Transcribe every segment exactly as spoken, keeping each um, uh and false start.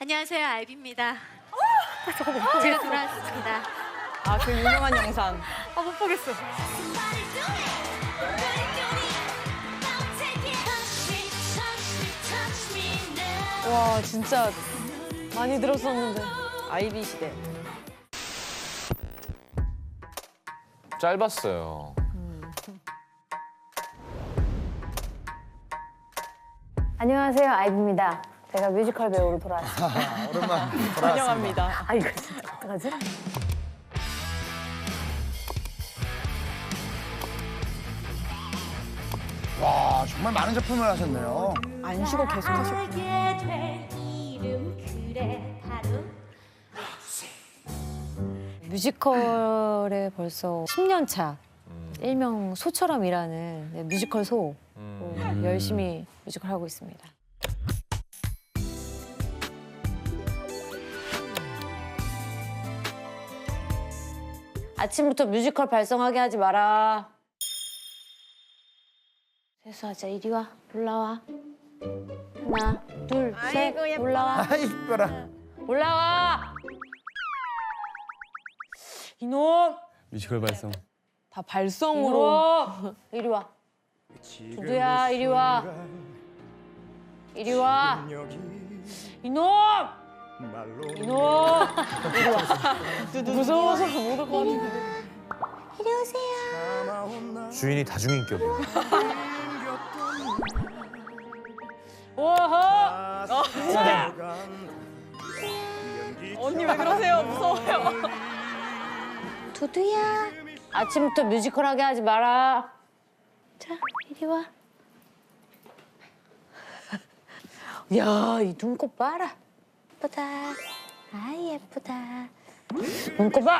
안녕하세요, 아이비입니다. 제가 돌아왔습니다. 아, 그 유명한 영상. 아, 못 보겠어. 와, 진짜 많이 들었었는데. 아이비 시대. 짧았어요. 안녕하세요, 아이비입니다. 제가 뮤지컬 배우로 돌아왔습니다. 오랜만 돌아왔습니다. 환영합니다. 아, 이거 진짜 어떡하지? 와, 정말 많은 작품을 하셨네요. 안 쉬고 계속 하셨구나. 뮤지컬에 벌써 십 년 차. 일명 소처럼 일하는 네, 뮤지컬 소. 어, 열심히 뮤지컬 하고 있습니다. 아침부터 뮤지컬 발성하게 하지 마라. 세수하자, 이리 와. 올라와. 하나, 둘, 셋. 올라와. 아이, 이뻐라. 올라와. 이놈. 뮤지컬 발성. 다 발성으로. 이놈. 이리 와. 두두야, 이리 와. 이리 와. 이놈. 이놈. 이리 와. 무서워서 못 올 것 같은데. 이리 오세요. 주인이 다중인격이야. 오호. 언니 왜 그러세요? 무서워요. 두두야. 아침부터 뮤지컬 하게 하지 마라. 자, 이리 와. 야, 이 눈곱 봐라. 예쁘다. 아이, 예쁘다. 눈곱 봐.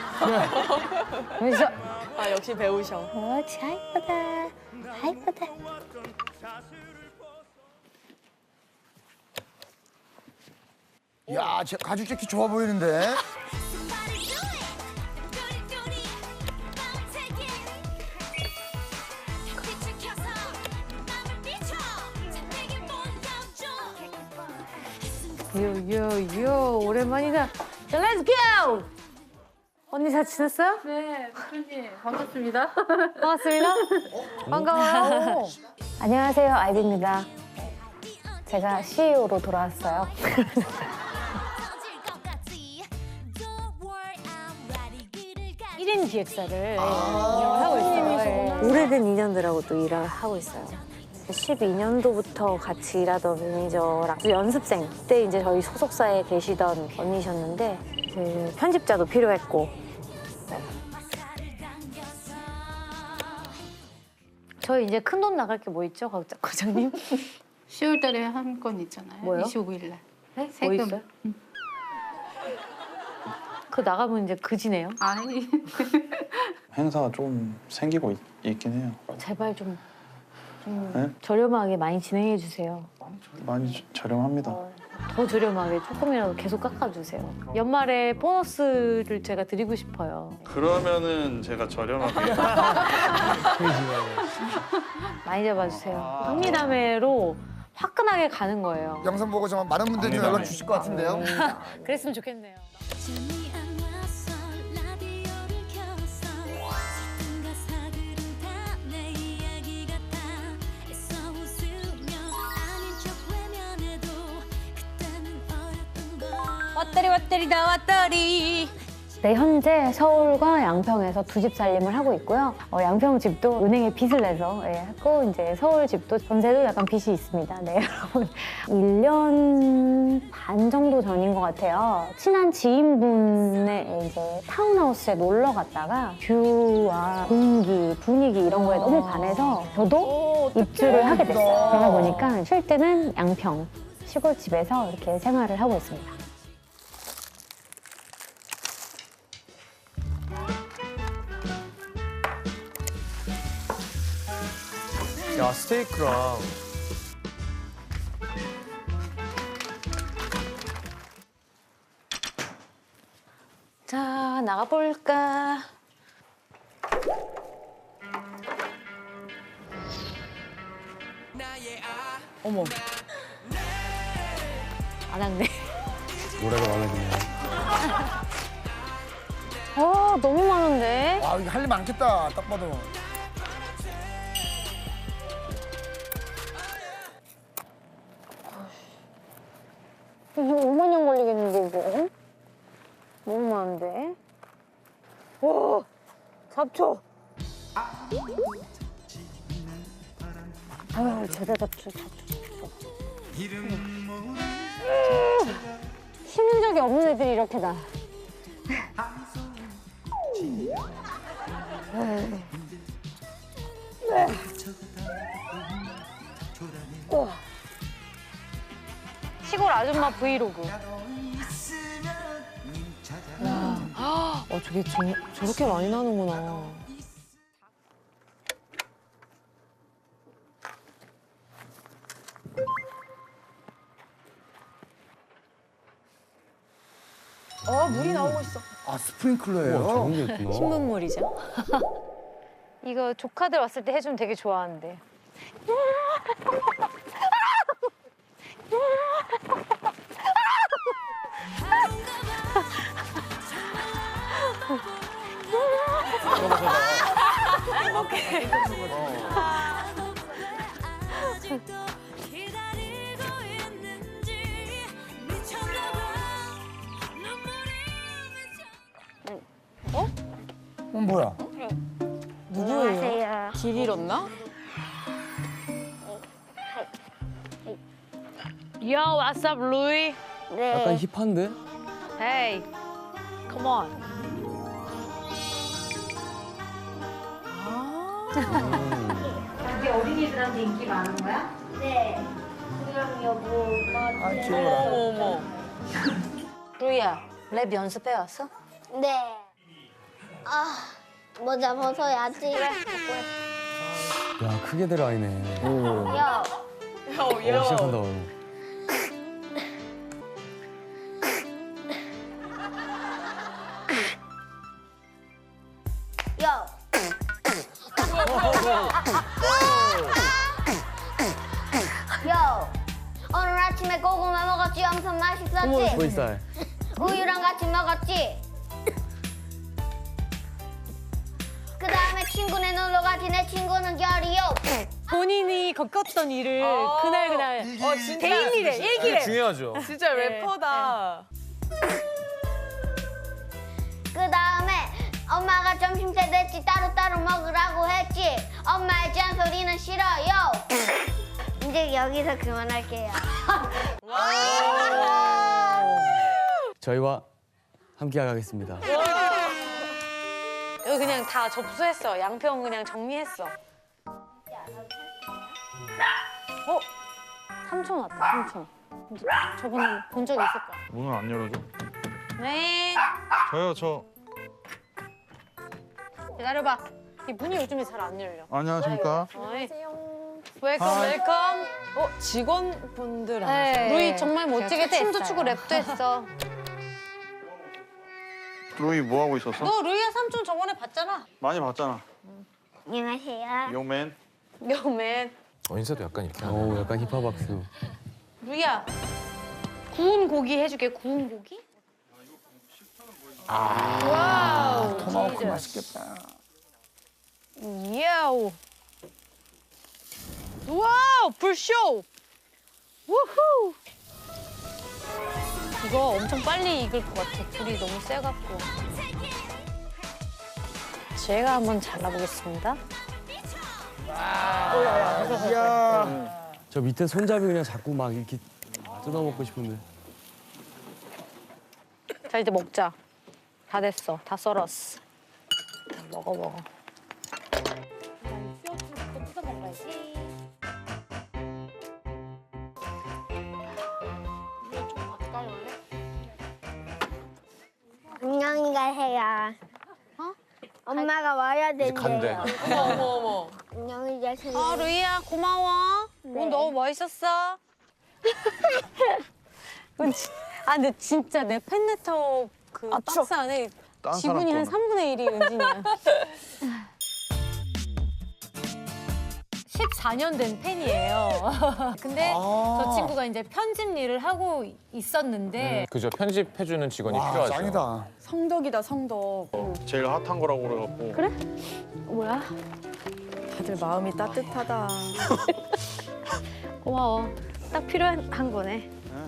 여기서. 아, 역시 배우셔. 어, 자, 예쁘다. 아, 예쁘다. 야, 제 가죽 재킷 좋아 보이는데. 요요요, 오랜만이다. 자, 렛츠 고! 언니 잘 지냈어요? 네, 대표님 반갑습니다. 반갑습니다. 반가워요. 안녕하세요, 아이비입니다. 제가 씨이오로 돌아왔어요. 일 인 기획사를 하고 있어요. 오래된 인연들하고 또 일을 하고 있어요. 십이 년도부터 같이 일하던 매니저랑 연습생 때 이제 저희 소속사에 계시던 언니셨는데 이제 편집자도 필요했고 저희 이제 큰 돈 나갈 게 뭐 있죠, 과장- 과장님? 시월 달에 한 건 있잖아요. 뭐요? 이십오 일 날. 네? 뭐 세금. 있어요? 그 나가면 이제 그지네요. 아니. 행사가 좀 생기고 있, 있긴 해요. 제발 좀, 좀 네? 저렴하게 많이 진행해 주세요. 많이 저- 저렴합니다. 더 저렴하게 조금이라도 계속 깎아주세요. 연말에 보너스를 제가 드리고 싶어요. 그러면은 제가 저렴하게 많이 잡아주세요. 흥미담회로 화끈하게 가는 거예요. 영상 보고 정말 많은 분들이 좀 연락 주실 것 같은데요. 그랬으면 좋겠네요. 왔다리 왔다리 다 왔다리. 네, 현재 서울과 양평에서 두 집 살림을 하고 있고요. 어, 양평 집도 은행에 빚을 내서 예, 했고 이제 서울 집도 전세도 약간 빚이 있습니다. 네, 여러분. 일 년 반 정도 전인 것 같아요. 친한 지인분의 이제 타운하우스에 놀러 갔다가 뷰와 공기, 분위기 이런 거에 너무 반해서 저도 입주를 하게 됐어요. 그러다 보니까 쉴 때는 양평 시골집에서 이렇게 생활을 하고 있습니다. 야, 스테이크랑 자, 나가볼까? 어머. 안 왔네. 노래가 마음에 드네요. 아, 너무 많은데? 와, 이거 할 일 많겠다. 딱 봐도. 이거 오만 년 걸리겠는데, 이거? 너무 많은데? 오! 잡초! 아유, 제대로 잡초, 잡초, 잡초. 음. 심는 적이 없는 애들이 이렇게 나. 시골 아줌마 브이로그. 어, 저게 저, 저렇게 많이 나는구나. 어, 물이 나오고 있어. 아, 스프링클러예요? 우와, 저런 게 있구나. 신문물이죠. 이거 조카들 왔을 때 해주면 되게 좋아하는데. 어, 뭐야? 누구예요? 길 잃었나? Yo, what's up, Louis? 약간 힙한데? Hey, come on. 그게 어린이들한테 인기 많은 거야? 네. 그냥 여보, 아, 귀여워라. 어머, 어머. 루이야, 랩 연습해 왔어? 네. 아, 모자 벗어야지. 야, 크게 들어가네. 오. 야, 야, 어, 얘 시작한다. 야. 야, 오늘 아침에 고구마 먹었지? 엄청 맛있었지? 보이살. 우유랑 같이 먹었지? 그 다음에 친구네 놀러 가지. 내 친구는 결이요. 본인이 겪었던 일을 어. 그날 그날 어, 진짜. 개인일에 일기래. 중요하죠. 진짜 래퍼다. 그 다음에 엄마가 점심 때 됐지 따로따로 먹으라고 했지. 엄마의 잔소리는 싫어요. 이제 여기서 그만할게요. 저희와 함께 가겠습니다. 여기 그냥 다 접수했어. 양평 그냥 정리했어. 어? 삼촌 왔다, 삼촌. 저번에 본 적 있을 거야. 문을 안 열어줘? 네. 저요, 저. 기다려봐. 이 문이 요즘에 잘 안 열려. 안녕하십니까? 안녕하세요. 웰컴, 하이. 웰컴. 어, 직원분들 네. 아니세요? 루이 정말 멋지게 제가 춤도 추고 초대했어요. 랩도 했어. 루이 뭐 하고 있었어? 너 루이야 삼촌 저번에 봤잖아. 많이 봤잖아. 안녕하세요. 요맨. 요맨. 어, 인사도 약간 이렇게 하네. 오, 약간 힙합 박수. 루이야. 구운 고기 해줄게. 구운 고기? 와우. 토마호크 맛있겠다. 야우. 와우, 불쇼. 우후. 이거 엄청 빨리 익을 것 같아. 불이 너무 세갖고. 제가 한번 잘라보겠습니다. 이야. 저 밑에 손잡이 그냥 자꾸 막 이렇게 뜯어먹고 싶은데. 자, 이제 먹자. 다 됐어. 다 썰었어. 먹어, 먹어. 뜯어 먹어야지. 안녕히 가세요. 어? 엄마가 와야 된대요. 간대. 어머, 어머, 어머. 안녕히 가세요. 아, 루이야, 고마워. 오늘 너무 멋있었어. 아, 근데 진짜 내 팬레터 그 박스 안에 딴 지분이 사람 한 거는. 삼분의 일이 은진이야. 십사 년 된 팬이에요. 근데 아. 저 친구가 이제 편집 일을 하고 있었는데 그죠. 편집해주는 직원이 와, 필요하죠. 짱이다. 성덕이다 성덕. 제일 핫한 거라고 그래갖고. 그래? 뭐야? 다들 마음이 따뜻하다. 고마워. 딱 필요한 거네.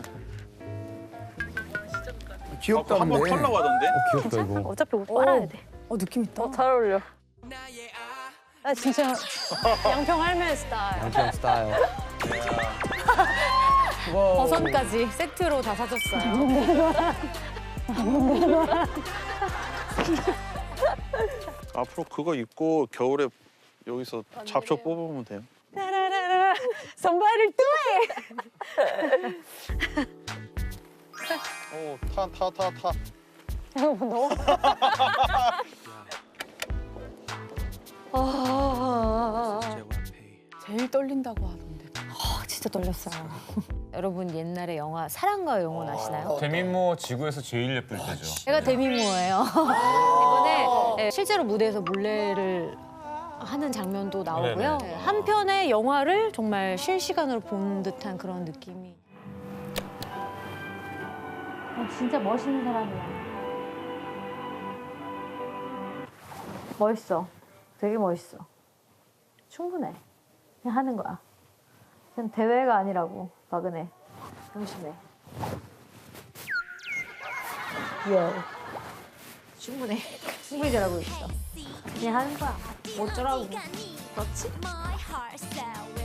귀엽다, 한번 근데. 털라고 하던데? 어, 귀엽다 이거. 어차피 옷 빨아야 돼. 어 느낌 있다. 잘 어울려. 나 진짜 양평 할매 스타일. 양평 스타일. 버선까지 세트로 다 사줬어요. 앞으로 그거 입고 겨울에 여기서 잡초 뽑으면 돼요. 따라라라 선발을 또 해. 오, 타, 타, 타, 타. 제일 떨린다고 하던데. 아, 진짜 떨렸어요. 여러분 옛날에 영화 사랑과 영혼 아시나요? 데미모 지구에서 제일 예쁠 때죠. 제가 데미모예요. 이번에 네, 실제로 무대에서 물레를 하는 장면도 나오고요. 네네. 한 편의 영화를 정말 실시간으로 본 듯한 그런 느낌이. 아, 진짜 멋있는 사람이야. 멋있어. 되게 멋있어. 충분해. 그냥 하는 거야. 그냥 대회가 아니라고, 박은혜. 당신해. 예. 충분해. 충분히 잘하고 있어. 그냥 하는 거야. 어쩌라고. 그렇지?